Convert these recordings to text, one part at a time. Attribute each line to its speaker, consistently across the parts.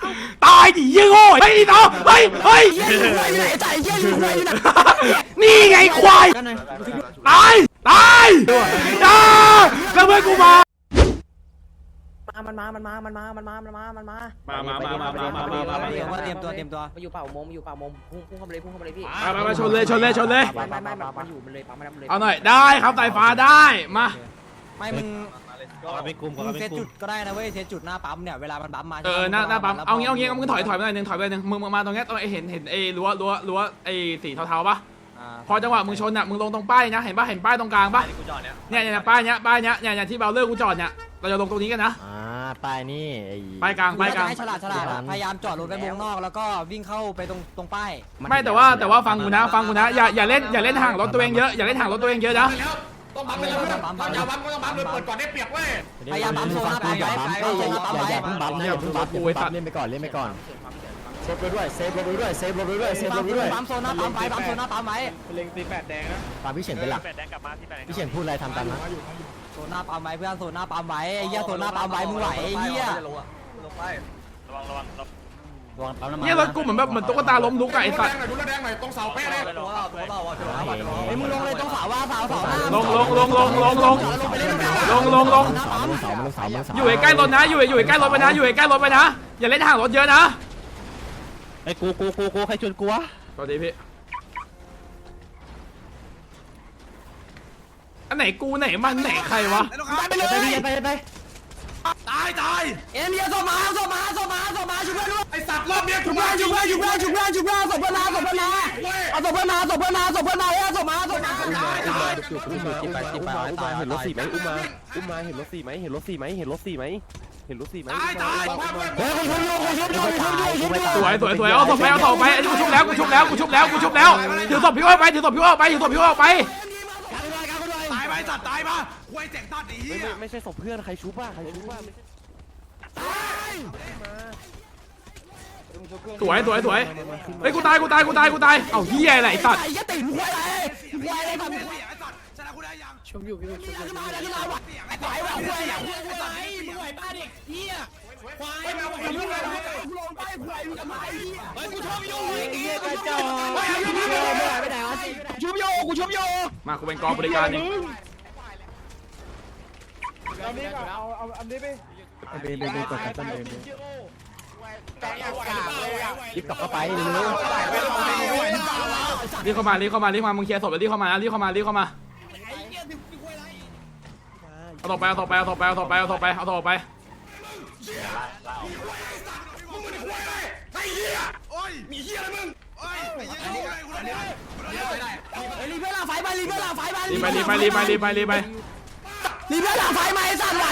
Speaker 1: ตายดิยี่โง่เฮ้ยต่อเฮ้ยนี่ไงควายตายจ้าแล้วเพื่อนกูมา
Speaker 2: มันมาเตรียมตัวมาอยู่เป่าโมงพุ่งเข้ามาเลยพี่
Speaker 1: มาชนเลย
Speaker 2: ไม่มันอยู่มันเลยปั๊มมันเลย
Speaker 1: เอาหน่อยได้ครับสายฟ้าได้มา
Speaker 2: ไม่มึงเซตจุดก็ได้นะเว้ยเซตจุดหน้าปั๊มเนี่ยเวลามันปั๊มมา
Speaker 1: หน้าปั๊มเอางี้มึงถอยไปหน่อยนึงมึงมาตรงนี้ตรงเห็นไอ้รั้วไอ้สีเทาๆปะพอจังหวะมึงชนอ่ะมึงลงตรงป้ายนะเห็นป้ายตรงกลางปะเนี่ยป้ายเนี้ยที่เบลเลอร์กูจอดเนี่ยเราจะลงตรงนี้กันนะ
Speaker 3: ป้ายนี่
Speaker 1: ป้ายกลาง
Speaker 2: ฉลาดพยายามจอดรถไปวงนอกแล้วก็วิ่งเข้าไปตรงป้าย
Speaker 1: ไม่แต่ว่าฟังกูนะอย่าเล่นห่างรถตัวเองเยอะอย่าเล่นห่างรถตัวเองเยอะนะ
Speaker 4: ต้องบัฟไปแล้วอย่าบัฟก็ต้องบัฟเลยเปิดก่อนได้เปรียบเว้ย
Speaker 2: พยายามบัฟโซนไป
Speaker 3: อย่าเพิ่งบัฟเล่นไปก่อนเซฟรถด้วย
Speaker 2: ปั๊มโซนหน้าปั๊มไว้
Speaker 4: เล็งตีแปดแดงนะ
Speaker 3: ปั๊มพี่เฉินเป็นหลักพี่เฉินพูดอะไรทำตามนะ
Speaker 2: โซนหน้าปั๊มไว้เพื่อนโซนหน้าปั๊มไว้ไอ้เหี้ยโซนหน้าปั๊มไว้มึงไหวไอ้เหี้ย
Speaker 4: ลงไประวัง
Speaker 1: เนี่ยรถกูเหมือนตุ๊กตาล้มลุกไอ้สัตว์
Speaker 4: ดูแดงหน่อยตรงเสาเป๊ะเลย
Speaker 2: ไอ้มึงลงเลยตรงเสาว่าเสา
Speaker 1: ลงอยู่ใกล้รถนะอยู่ใกล้รถไปนะอย่าเล่นห่างรถเยอะนะ
Speaker 3: ไอ้กูใครชวนกูวะ
Speaker 1: สวัสดีพี่อันไหนกูไหนมันไหนใครวะ
Speaker 3: ไป
Speaker 4: ตาย
Speaker 2: เอ็มเดียส่งมาช่วยเพื่อนด้วย
Speaker 4: ไอสัตว์รอบเนี้ย
Speaker 2: ช่วยเพื่อนส่งเพื่อนมาส่งเพื่อนมาส่งเพื่อนมาส่งมา
Speaker 3: เห็นรถสี่ไหมอุ้มมาเห็นรถสี่ไหมเห็นรถสี่ไหม
Speaker 1: สวยเอาศพไปไอ้ที่กูชุบแล้วถือศพพี่อ้อยไปต
Speaker 4: ายไปสัตว์ตายมาควยแจกตัดอี
Speaker 3: ไม่ใช่ศพเพื่อนใครชุบใครชุบ
Speaker 1: สวยเฮ้ยกูตายเอาเหี้ยอะไรสัตว์
Speaker 2: ชมอยู่พี่ชุบอยู่
Speaker 1: มากูเป็นกองบริการนี่
Speaker 4: เอาอันนี้ไป
Speaker 3: กดกันต้นรีบกลับเข้าไป
Speaker 1: รีบเข้ามามึงเคลียร์ศพแล้วรีบเข้ามาเอาต่อไปเอาต่อไป
Speaker 4: ไอ้เหี้ยโอ้ยมีเหี้ยอะไรมึงโอ้ยไอ้เหี้ย
Speaker 2: รีบเพื่อนหลังไฟไปรีบเพื่อนหลังไฟมา
Speaker 1: รีบไป
Speaker 2: รีบเพื่อนหลังไฟมาไอ้สัตว์ไหว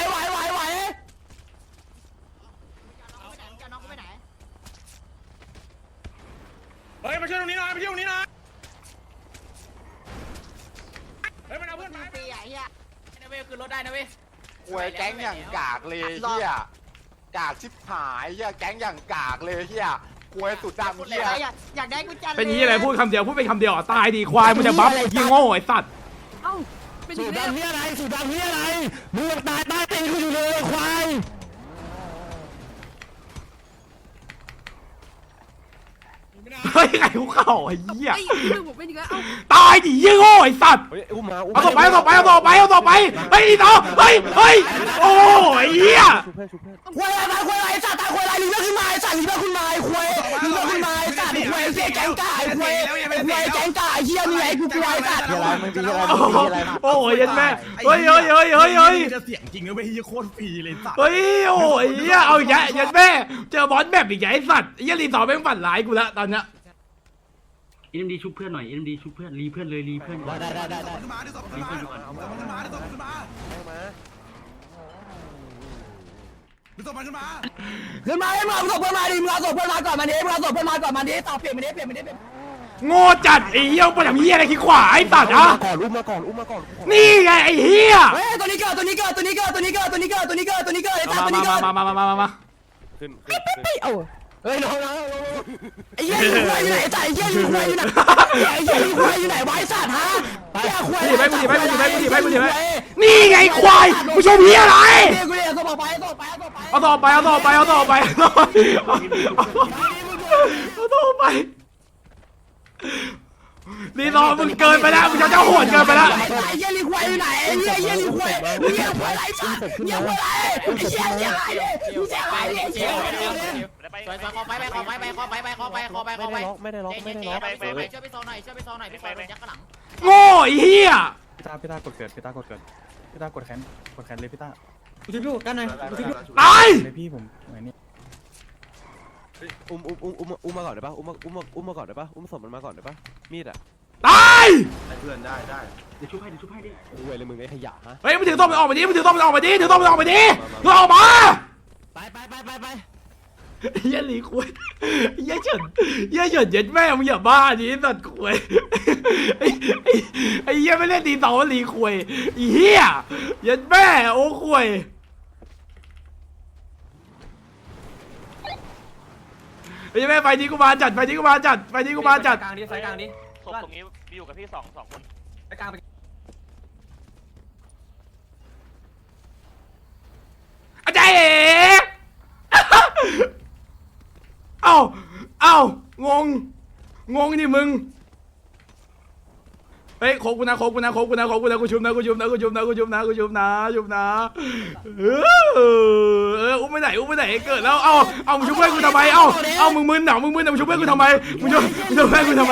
Speaker 4: เฮ้ยมาช่วยตรงนี้หน่อยเฮ้ยมันเอาเพื่อนมา
Speaker 2: ตีไอ้เหี้ยนะเว้ยคือรถได้นะเว้ย
Speaker 5: หวยแก๊งอย่างกากเลยเฮียกากชิบหายเฮียแก๊งอย่างกากเลยเฮียหวยสุดดำเฮีย
Speaker 2: อยากได้กุญแจ
Speaker 1: เป็นยี่อะไรพูดคำเดียวตายดีควายมึงจะบัฟยิงโง่ไอ้สัตว์
Speaker 3: สูดดำเฮียอะไรมึงตายตีกูอยู่เลยควาย
Speaker 1: เฮ้ยไงกูเข้าไอ้เหี้ยตายดิยี่โง่ไอ้สัตว์เอาต่อไปเฮ้ยต่อเฮ้ยโอ้ยเหี้ย
Speaker 2: ควายอะไรสัตว์ตายควายอะไรลีเบอร์ขึ้นมาไอ้สัตว์ลีเบอร์ขึ้นมาไอ้ควายลีเบอร์ขึ้นมาไอ้สัตว์ควายเสียแกงกาไอ้ควายแกงกาไอ้เหี้ยมีไอ้กูควายสัตว์
Speaker 1: โอ้ยยันแม่เฮ้ย
Speaker 4: จะเสียงจริงนะเว้ยเฮียโคตรฟรีเลยสัตว์
Speaker 1: เฮ้ยโอ้ยเหี้ยเอาอีกแล้วยันแม่เจอบอสแบบอีกไอ้สัตว์ยี่รีต่อแม่งฝันร้ายกูละตอนเนี้ย
Speaker 6: ดีชุบเพื่อนหน่อยดีชุบเพื่อนรีเพื่อนเลยรีเพื่อน
Speaker 3: ได้
Speaker 2: ให้มึงส่งเพื่อนมาดิมึงเอาส่งเพื่อนมาก่อนมันดิต่อเปลี่ยน
Speaker 1: โง่จัดไอ้เหี้ยปะทำเหี้ยอะไรขี้ขวาไอ้ตัดอ่ะ
Speaker 3: อุ้มมาก่อน
Speaker 1: นี่ไงไอ้เหี้ย
Speaker 2: เฮ้ยตัวนี้เกิดไอ้สัตว์ตัวนี้เกิด
Speaker 1: มา
Speaker 3: ขึ้นเอาเฮ้ยน้อง
Speaker 2: ไอ้เหี้ยอยู่ไหนไอ้สัตว์ไอ้เหี้ยอยู่ไหนไอ้เหี้ยอยู่ไหนไว้สัตว์ฮะไอ้ควาย
Speaker 1: นี่ไงควายกูชมเฮียอะไร
Speaker 2: กูเรียกส่งไปส่งไปส่งไป
Speaker 1: เอาต่อไปเอาต่อไปเอาต่อไปเอาต่อไปเอาต่อไปรีซอร์มึงเกินไปแล้วมึงจะโหดเกินไปแล้ว
Speaker 2: ไอ้เหี้ยลิควายอยู่ไหนไอ้เหี้ยเหี้ยลิควายเหี้ยควายไรสัตว์เหี้ยควายไรไอ้เหี้ยเหี้ยอะไรมึงเสียอะไรเนี่ยเสียอะไรเนี่ย
Speaker 7: ไปขอไปไม่ได้ล็อกช่วยไปโซนหน่อยช่วยไปโซนหน่อยพี่ไปยักษ์ข้างหลัง
Speaker 1: โง่ไอ้เหี้ย
Speaker 8: พี่ต้ากดเกิดพี่ต้ากดแขนเลยพี่ต้า
Speaker 2: กูจะดูกันหน่อยกูจะดู
Speaker 1: ตาย
Speaker 8: เลยพี่ผมไหนนี่
Speaker 3: อุ้มมาก่อนได้ปะอุ้มมาก่อนได้ปะอุ้มศพมันมาก่อนได้ปะมีดอ่ะ
Speaker 1: ตาย
Speaker 4: เพื่อนได้
Speaker 6: เดี๋ยวชุบให้ดิ
Speaker 3: รวยเลยมึงไอ้ขยะฮะ
Speaker 1: เฮ้ยมึงถือต้มมันออกไปดิมึงถือต้มมันออกไปดิถือต้มมันออกไปดิถือออกมา
Speaker 2: ไป
Speaker 1: เหี้ยหลีคุยเหี้ยเฉินเย็ดแม่มึงอย่าบ้าดิสัตว์คุยไอ้เหี้ยไม่เล่นตีสองหลีคุยไอ้เหี้ยเย็ดแม่โอ้คุยไอ้แม่ไฟนี้กูมาจัดไฟนี้กูมาจัด
Speaker 7: กลางดิไฟกลางดิ
Speaker 9: ศพตรงนี้อยู่กับพี่สองคน
Speaker 7: ไปกลางไป
Speaker 1: อาจารย์เอ๋เอ้างงดิมึงเฮ้ยโคกูนะกูชุบนะอุ้มไปไหนเกิดแล้วเอามึงชุบเพื่อนกูทำไมเอามึงมึนเหรอมึงชุบเพื่อนกูทำไมมึงชุบเพื่อนกูทำไม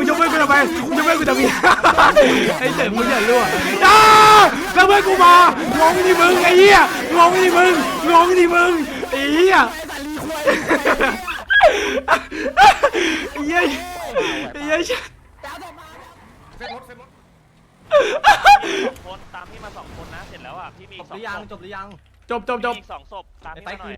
Speaker 1: ไอ้เจ๋งมึงอย่ารั่วแล้วเพื่อนกูมางงดิมึงไอ้เหี้ยงงดิมึงไอ้เหี้ย
Speaker 9: คนตามพี่มา2 คนนะเสร็จแล้วอ่ะพี่มี2 ศพ
Speaker 7: จบหรือยัง
Speaker 1: จบ
Speaker 9: มีอีก2 ศพตามพี่มาหน่อย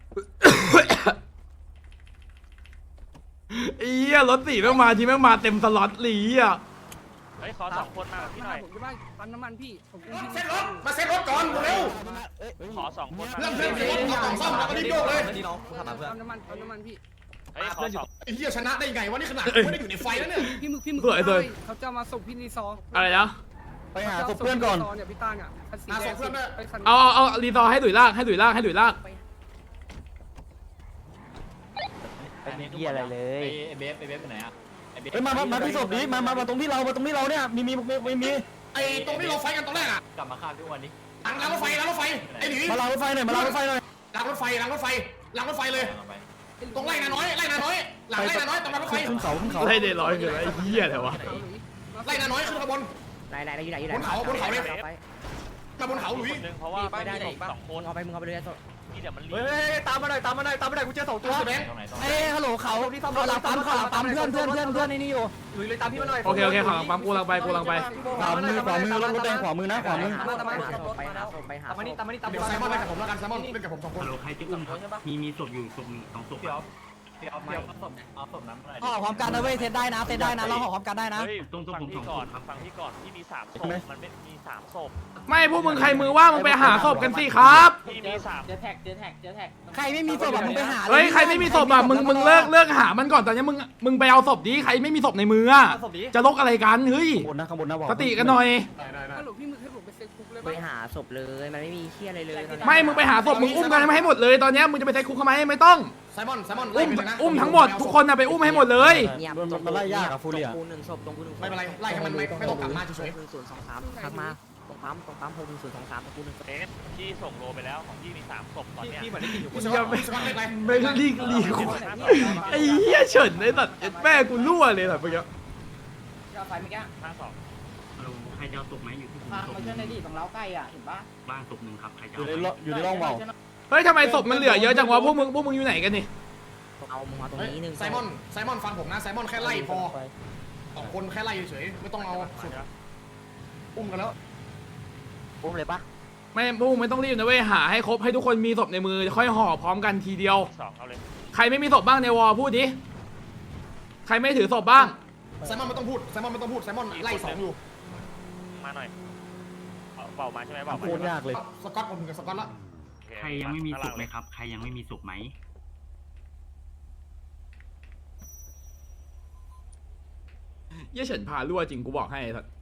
Speaker 1: ไอ้เหี้ยรถสีแม่งมาทีแม่งมาเต็มสล็อตหลีอ่ะ
Speaker 9: เฮ้ยขอ2 คนมากับพี่หน่อย
Speaker 7: ผมจะว่าปั๊มน้ำมันพี่ผมกู
Speaker 4: เซ็ตรถมาเซ็ตรถก่อนเร็ว
Speaker 9: ขอ2 คนมา
Speaker 4: เริ่มเซ็ตรถเอากล่องซ่อมแล้วก็รีบโยกเลย
Speaker 7: นี่น้องขับมาเพื่อนปั๊มน้ำมันพี่
Speaker 9: เฮ้ยขอ2
Speaker 4: ไอ้เหี้ยชนะได้ไงวะนี่ขนาดไม่ได้อยู่ในไฟแล้วเนี่ย
Speaker 7: พี่มึกเขาจะมาส่งพี่รีซอ
Speaker 1: อะไรนะ
Speaker 2: ไปหาศพเพื่อนก่อน
Speaker 7: เนี่ยพี่ต้าเนี่ยคันสี
Speaker 4: มา
Speaker 7: แด
Speaker 4: ส่
Speaker 7: ง
Speaker 4: งเพื่อนด้วย
Speaker 7: ไปคัน
Speaker 1: เอารีซอร์ให้ดุยลาก
Speaker 2: เป็นเหี้ยอะไรเลย
Speaker 7: เบฟไปไหนอ่ะ
Speaker 2: เฮ้ยมาที่ศพนี้มาตรงที่เราเนี่ยมี
Speaker 4: ไอ้ตรงที่เราไฟกันตอนแรกอะ
Speaker 7: กลับมาข้ามทุกวันนี้
Speaker 4: หลังรถไฟไอ้หนี
Speaker 2: มาล้างรถไฟหน่อย
Speaker 4: หลังรถไฟเลย ตรงไล่นาน้อยหลังไล่นาน้อยตรงรถไฟ
Speaker 2: ขึ้นเขา
Speaker 1: ไล่เดร้อยคืออะไรเหี้ยอะไรวะ
Speaker 4: ไล่นาน้อยขึ้นขบวน
Speaker 2: ไหนอยู่ไหน
Speaker 4: บนเขาเลยมาบนเขาหลุย
Speaker 9: คนนึงเพราะว่าไม่ได้2 คน
Speaker 2: เอาไปเลย
Speaker 9: พี่เดี๋ยวมันรี
Speaker 7: เฮ้ยตามมาหน่อยกูเจอ2 ตัว
Speaker 4: แบงค์
Speaker 2: เอ้ฮัลโหลเขาหลังปั๊มเพื่อนนี่อยู่
Speaker 7: หลุยเลยตามพี่มาหน่อย
Speaker 1: โอเคขอปั๊มกูลังไป
Speaker 2: ขวามือรถแดงขวามือนะขวามือ
Speaker 7: ตามมานี่
Speaker 4: เดี๋ยวไซมอนเล่นกับผมแล้วกันไซมอนเล่นกับผม2 คน
Speaker 6: ฮัลโหลใครจะอุ้มครับมีศพอยู่ศพหนึ่ง2 ศพ
Speaker 7: เอาศพน้ำหน่อย
Speaker 2: ห่อพร้อมกันนะเว้ยเซตได้นะเราห่อพร้อมกันได้นะ
Speaker 9: เฮ้ยฟังพี่ก่อนพี่มี3 ศพมันไม่มี3 ศพ
Speaker 1: ไม่พวกมึงใครมือว่างมึงไปหาศพกันสิครับ
Speaker 9: พี่มี3
Speaker 7: เจอแท็ก
Speaker 2: ใครไม่มีศพมึงไปหา
Speaker 1: เฮ้ยใครไม่มีศพอ่ะมึงเลิกหามันก่อนตอนนี้มึงไปเอาศพดิใครไม่มีศพในมืออ่ะจะลกอะไรกันเฮ้ย
Speaker 2: ข้างบนนะบอก
Speaker 1: สติกันหน่อย
Speaker 4: ได้
Speaker 7: ฮัลโหลพี่มึกให้ผมไปเซ็ตคุกเลย
Speaker 2: ไปหาศพเลยมันไม่มีเชี่ยอะไรเลย
Speaker 1: ไม่มึงไปหาศพมึงอุ้มกันให้หมดเลยตอนนี้มึงจะไปใช้คุกทำไมไม่ต้อง
Speaker 4: ไซมอนไล่ไปเลยนะ
Speaker 1: อุ้มทั้งหมดทุกคนนะไปอุ้มให้หมดเลย
Speaker 2: มันไล่ยากอะฟูเรีย
Speaker 4: ไม่เป็นไรไล่ให้มันไม่ต้องกลับมาเฉย
Speaker 2: ทักมาตรงปั๊ม61023ตะกู1
Speaker 9: เอ๊ะพี่ส่งโลไปแล้วของพี่มี3 ศพตอนเนี้ย
Speaker 7: พี่เหมือนได้กินอยู่
Speaker 4: ๆไซมอนเล่นไป
Speaker 1: ไม่รีคุกไอ้เหี้ยเฉินไอ้สัตว์แม่กูรั่วเลยสัตว์เมื่อกี้
Speaker 7: ไฟเมื่อกี้
Speaker 9: 52
Speaker 6: ฮัลโหลใครจะเอาศพไหมอยู่ที่ผม
Speaker 7: มา
Speaker 6: ศพ
Speaker 7: เชื่อในดิตรงเล้าใกล้อ่ะเห็นปะ
Speaker 6: บ้านศพหนึ่งครับใครจะ
Speaker 2: อยู่ในร่องเบา
Speaker 1: เฮ้ยทำไมศพมันเหลือเยอะจังวะพวกมึงอยู่ไหนกันนี่
Speaker 2: เอามึงมาตรงนี้นึง
Speaker 4: ไซมอนฟังผมนะไซมอนแค่ไล่พอ2 คนแค่ไล่เฉยไม่ต้องเอาสุดอุ้มกันแล้ว
Speaker 2: อุ้มเลยปะ
Speaker 1: ไม่พวกมึงไม่ต้องรีบนะเว้ยหาให้ครบให้ทุกคนมีศพในมือค่อยห่อพร้อมกันทีเดียว
Speaker 9: 2เอาเลย
Speaker 1: ใครไม่มีศพบ้างในวอลพูดดิใครไม่ถือศพบ้าง
Speaker 4: ไซมอนไม่ต้องพูดไซมอนไล่2 อยู่
Speaker 9: มาหน่อยเบามาใช่ไหมเบา
Speaker 2: โคตรยากเลย
Speaker 4: สกอตผมถึงกับสกอตละ
Speaker 6: ใครยังไม่มีศพไหมครับใครยังไม่มีศพไหม
Speaker 1: เยี่ยเฉินพารั่วจริงกูบอกให้สัตว์